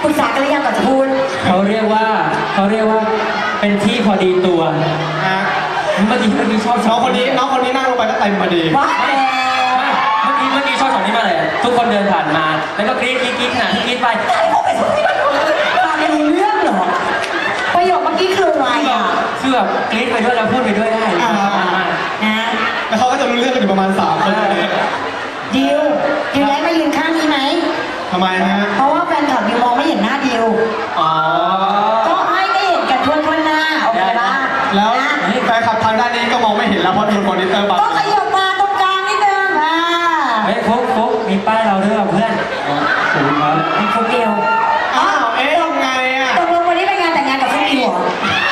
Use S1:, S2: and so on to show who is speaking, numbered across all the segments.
S1: ปรึกษากันหรือยังก่อนจะพูด
S2: เขาเรียกว่าเป็นที่พอดีตัวเมื่อกี้ชอบ
S3: น้องคนนี้นั่งลงไปแล้วเต็มพอดี
S1: ว้า
S2: เมื่อกี้ชอบช็อตนี้มาเลยทุกคนเดินผ่านมาแล้วก็กรี๊ดขนาดที่กรี๊ดไป
S1: ฟังไม่รู้เรื่องเหรอประโยคเมื่อกี้คืออะไรอ่ะ
S2: คือแบบกรี๊ดไปด้วยแล้วพูดไปด้วยได้
S1: นะ
S3: แล้วเขาก็จะรู้เรื่องกันอยู่ประมาณ3 คนเลย
S1: ดิวย้ายมายืนข้างนี้ไหม
S3: ทำไมฮะ
S1: เพราะว่าแฟนคลับดิวมองไม่เห็นหน้าดิวก็ให้ได้เห็นกันทั่วหน้าโอเคป่ะ
S3: แล้วแฟนคลับทางด้านนี้ก็มองไม่เห็นแล้วเพราะโดนมอนิเตอร์บัง
S1: ก็ขยับมาตรงกลางนิดนึง
S2: เฮ้ยฟุกมีป้ายเราด้วยเพื่อนถูกครับ
S1: ฟุกดิว
S3: ยังไงอ่ะ
S1: ตกลงวันนี้เป็นงานแต่งงานกับฟุกดิวเหรอ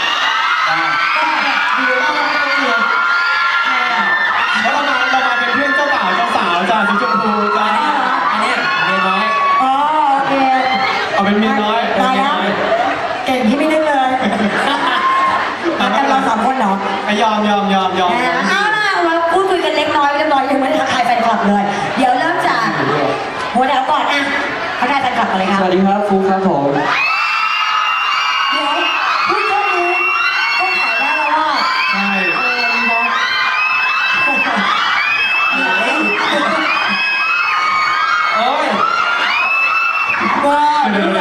S3: แล้วเรามาเป็นเพื่อนเจ้าบ่าวเจ้าสาวจ้าสีชมพูจ้า
S2: อันนี้เมียน้อย
S1: โอเค
S3: เอาเป็นเมียน้อย
S1: ตายแล้วเก่งที่ไม่นึกเลยมากันเรา3 คนเหรอย
S3: อม
S1: เอาล่ะเราพูดคุยกันเล็กน้อยเรียบร้อยยังไม่ได้ทักทายแฟนคลับเลยเดี๋ยวเริ่มจากหัวแถวก่อนอ่ะทักทายแฟนคลับกันเลยครับ
S2: สวัสดีครับฟุกครับผม
S1: เดี๋ยวพูดเรื่องนี้ก็ขายได้แล้วว่า
S3: ใช่
S2: โอ้ย
S3: เดี๋ยว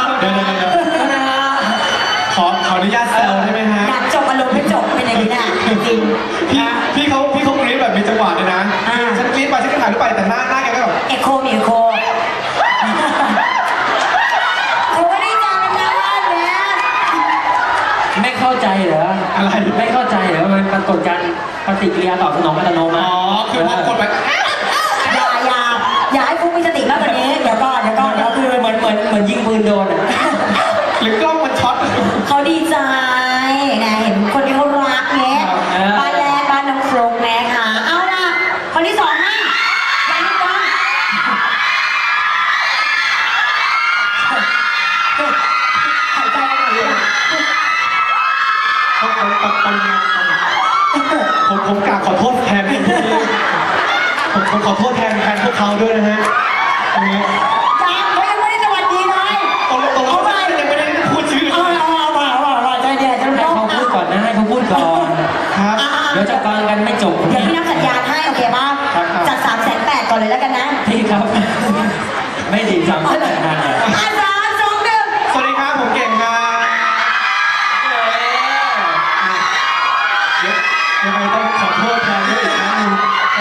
S3: ขออนุญาตแซวได้ไหมฮะ
S1: อยากจบอารมณ์ไม่จบเป็นอย่างนี้นะจริง
S3: พี่เขากรี๊ดแบบมีจังหวะเลยนะฉันกรี๊ดไปฉันก็ถ่ายรูปไปแต่หน้าแกก็แบบ
S1: เอโคมีเอโคเขาไม่ได้จำเป็นนะว่าเนี่ย
S2: ไม่เข้าใจเหรอ
S3: อะไร
S2: ไม่เข้าใจเหรอมันปรากฏการปฏิกิริยาตอบสนองอัตโนมัติ
S3: คือพอกดไป
S1: อย่าให้ฟุกมีสติมากกว่านี้เดี๋ยวก่อน
S2: คือเหมือนยิงปืนโดน
S3: หรือกล้องมันช็อต
S1: เขาดีใจนะเห็นคนที่เขารักเนี้ยบ้านแรกบ้านน้องฟลุ๊กนะคะเอาล่ะคนที่2นะบ้านน้องฟลุ๊กหายใจหน่อยเลย
S3: ผมกราบขอโทษแทนผมขอโทษแทนพวกเขาด้วยนะฮะตรงนี้
S1: เขายังไม่ได้สวัสดีเลย
S3: ตรงยังไม่ได้พูดชื่อ
S1: เอาใจเย็นจะ
S2: ให้เขาพูดก่อนนะให้เขาพูดก่อน
S3: ครับ
S2: เดี๋ยวจะฟังกันไม่จบ
S1: เดี๋ยวพี่นับสัญญาณให้โอเคป่ะจัด380,000ก่อนเลยแล้วกันนะ
S2: พี่ครับไม่ดีจังเลย
S1: 3 2 1
S3: สวัสดีครับผมเก่งครับยังไงต้องขอโทษแทนด้วยอีกครั้งนึง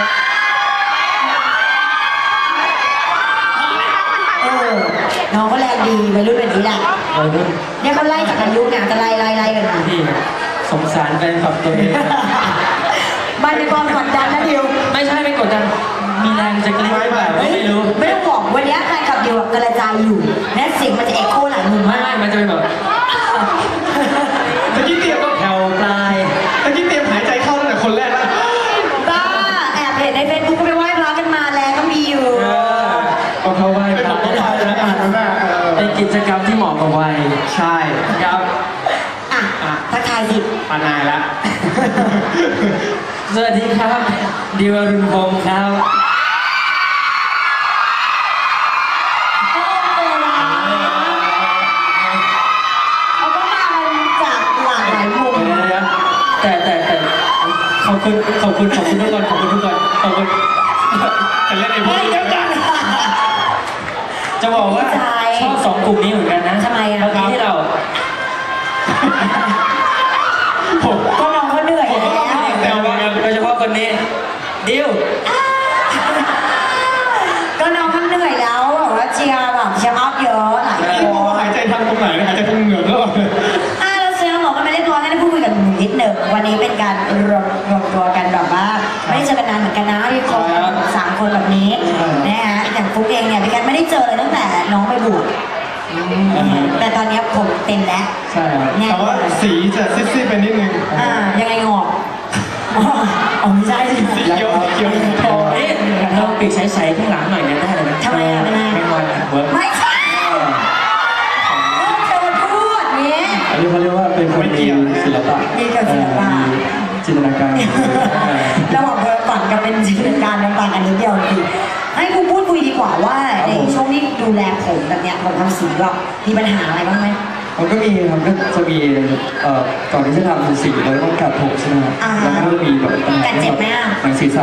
S1: น้องก็แรงดีวัยรุ่นแบบนี้แหละเนี่ยเขาไล่จากอายุเนี่ยจะไล่กันมา
S2: พี่สงสารแฟนคลับตัวเอง
S1: บ้านในความกดดันนะดิว
S2: ไม่ใช่ไม่กดดันมีแรงจะกรี๊ดแบบไม่รู้
S1: ไม่ต้องบอกวันนี้แฟนคลับดิวกระจายอยู่แม้เสียงมันจะเอ็กโคหลายมุม
S2: ไม่มันจะเป็นแบบ
S3: ตะกี้เตรียม
S2: แถวปลาย
S3: ตะกี้เตรียมหายใจเข้าตั้งแต่คนแรกแล้ว
S1: บ้าแอบเห็นในเฟซบุ๊กก็ไปไหว้พระกันมาแล้วก็มีอยู่
S2: ก็เขาไหว้พระเป็นกิจกรรมที่เหมาะกับวัย
S3: ใช่
S2: ครับ
S1: ทักทายสิ
S3: ปานายละ
S2: สวัสดีครับดิวอรุณพงศ์ครับ
S1: เขาก็มากันจากหลากหลายมุม
S2: แต่ขอบคุณทุกคนขอบคุณ
S3: แต่เล่นไอ้พวกนี้
S2: จะบอกว่าชอบ2 กลุ่มนี้เหมือนกันนะ
S1: ทำไมอ่ะ
S2: ที่เรา
S1: ก็น้องเขาเหนื่อยแล้ว
S2: โดยเฉพาะคนนี้ดิว
S1: ก็น้องเขาเหนื่อยแล้วแบบว่าเชียร์ออฟเยอะหลาย
S3: คนหายใจทางตรงไหนหายใจทางเหงือกแล้ว
S1: เราเชียร์หมอกันไม่ได้ตัวให้ได้พูดคุยกันนิดหนึ่งวันนี้เป็นการรวมตัวกันแบบว่าไม่ได้เจอกันนานเหมือนกันนะที่คน3 คนแบบนี้นะฮะอย่างฟุ๊กเองเนี่ยพี่กันไม่ได้เจอเลยตั้งแต่น้องไปบวชแต่ตอนนี้ผมเต็มแล้ว
S2: ใช่
S3: แต่ว่าสีจะซีดๆไปนิดนึง
S1: ยังไงงอกไม่ใช่
S3: สีเขียวทอง
S2: เราปิดใสๆข้างหลังหน่อยเนี่ยได้เลยนะ
S1: ทำไม
S2: ไม่วัน
S1: ไม่ใช่จะมาพูดเนี่ย
S2: อันนี้เขาเรียกว่าเป็นคนมีศิลปะ
S1: มีกับศิลปะ
S2: จินตนาการ
S1: ระหว่างเพอฝันกับเป็นจินตนาการต่างกันนิดเดียวดีให้กูพูดคุยดีกกว่าว่าในช่วงที่ดูแลผมแบบเนี้ยผมทำสีแบบมีปัญหาอะไรบ้างไหม
S2: มันก็มีครับก็จะมีก่อนที่จะทำสีเราต้องกัดผมใช่ไหมครับ
S1: อ่า
S2: แล้วก็จะมีแบบปัญหา
S1: กัดเจ็บไหมอะ
S2: หนังศีรษะ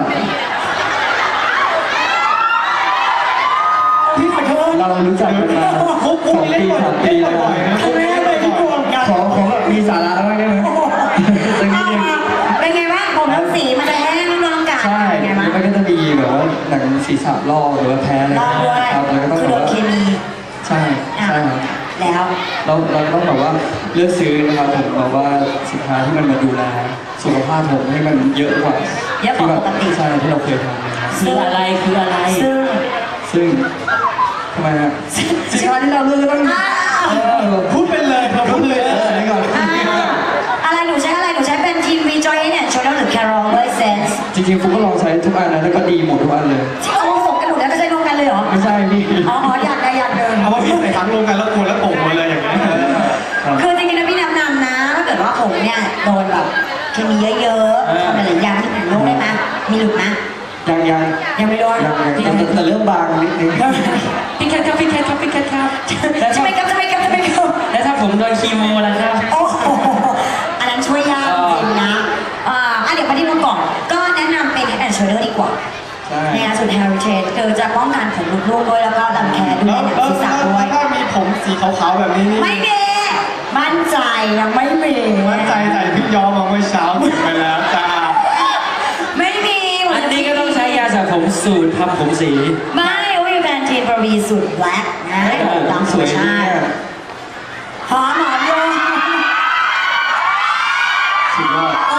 S3: พี่ขอโทษ
S2: เรารู้จักกันมา
S3: คุก
S2: 2
S3: เล่น
S2: ปี
S3: บ่อย
S2: 3 ปี
S3: เล่น
S2: แล้ว
S3: บ่อยๆนะ
S1: ครั้งแรกเลยที่กลัวกัน
S2: ขอแบบมีสาระบ้างได้ไหมสักนิดนึง
S1: เป็นไงบ้างผมทำสีมันจะแห้งน้องกัน
S2: ใช่
S1: เป็นไง
S2: แล้ว
S1: บ้าง
S2: มันก็จะมีแบบว่าหนังศีรษะลอกหรือว่าแพ้อะไร
S1: ลอกด้วย
S2: ครับแล้วก็ต้อง
S1: คือ
S2: แบ
S1: โด
S2: บ
S1: น
S2: ว่า
S1: เคมี
S2: ใช่ใช่ครับ
S1: แล้ว
S2: เราต้องแบบว่าเลือกซื้อนะครับผมแบบว่าสินค้าที่มันมาดูแลสุขภาพผมให้มันเยอะกว่า
S1: เยอะกว่าปกติ
S2: ใช่ที่เราเคยทำนะครับ
S1: คืออะไรคืออะไร ซึ่ง
S2: ทำไมฮะสินค้าที่เราเลือกก็ต้อง
S1: อ้าว
S3: พูดไปเลยเราพูดเลย
S2: อันนี้ก่อน
S1: อะไรหนูใช้อะไรหนูใช้เป็นทีมวีจอยเนี่ยชนหรือแครอลเวอร์เซนส์
S2: จริงๆฟุกก็ลองใช้ทุกอันนะแล้วก็ดีหมดทุกอันเลย
S1: ที่เอามาฝกกันหมดแล้วจะใช้รวมกันเลยเหรอ
S2: ไม่ใช่พี่
S1: อ๋ออยากได้อยากเดิน
S3: เอาว่าพี่ใส่ทั้งรวมกันแล้วกวนแล้วโป่งหมดเลยอย่างเงี้ย
S2: ครับ
S1: คือจริงๆนะพี่แนะนำนะถ้าเกิดว่าผมเนี่ยโดนแบบเคมีเยอะๆทำอะไรอย่างที่ผมลงได้ไหมมีหลุดไหม
S2: ยัง
S1: ยังไม่โดน
S2: แต่เริ่มบางนิดนึง
S4: พี่แคทครับพี่แคทครับพี่แคทครับแล้ว
S1: จะ
S4: ถ้า
S1: ไม่กับจะไม่กับจะไม่กับ
S4: แล้วถ้าผมโดนคีโมล่ะครับ
S1: โอ้โหอันนั้นช่วยยากจริงนะเดี๋ยวมาที่นู้นก่อนก็แนะนำเป็น Head and Shoulder ดีกว่า
S2: ใช่
S1: ในงานสุด Heritage คือจะป้องกันผมหลุดร่วงด้วยแล้วก็รังแคดู
S3: แล้ว
S1: ในหนัง
S3: แล้ว
S1: ศีรษะด้วย
S3: ถ้ามีผมสีขาวๆแบบนี้นี่
S1: ไม่มีมั่นใจยังไม่มี
S3: มั่นใจใส่พี่ย้อมมาเมื่อเช้าถึงไปแล้วจ้า
S1: ไม่มี
S4: อันนี้ก็ต้องใช้ยาสระผมสูตรทำผมสี
S1: ไม่วิวแพนทีนบรีสุดแบล็กนะตามธรรมชาติหอมโยง
S2: สุดยอด
S1: โอ้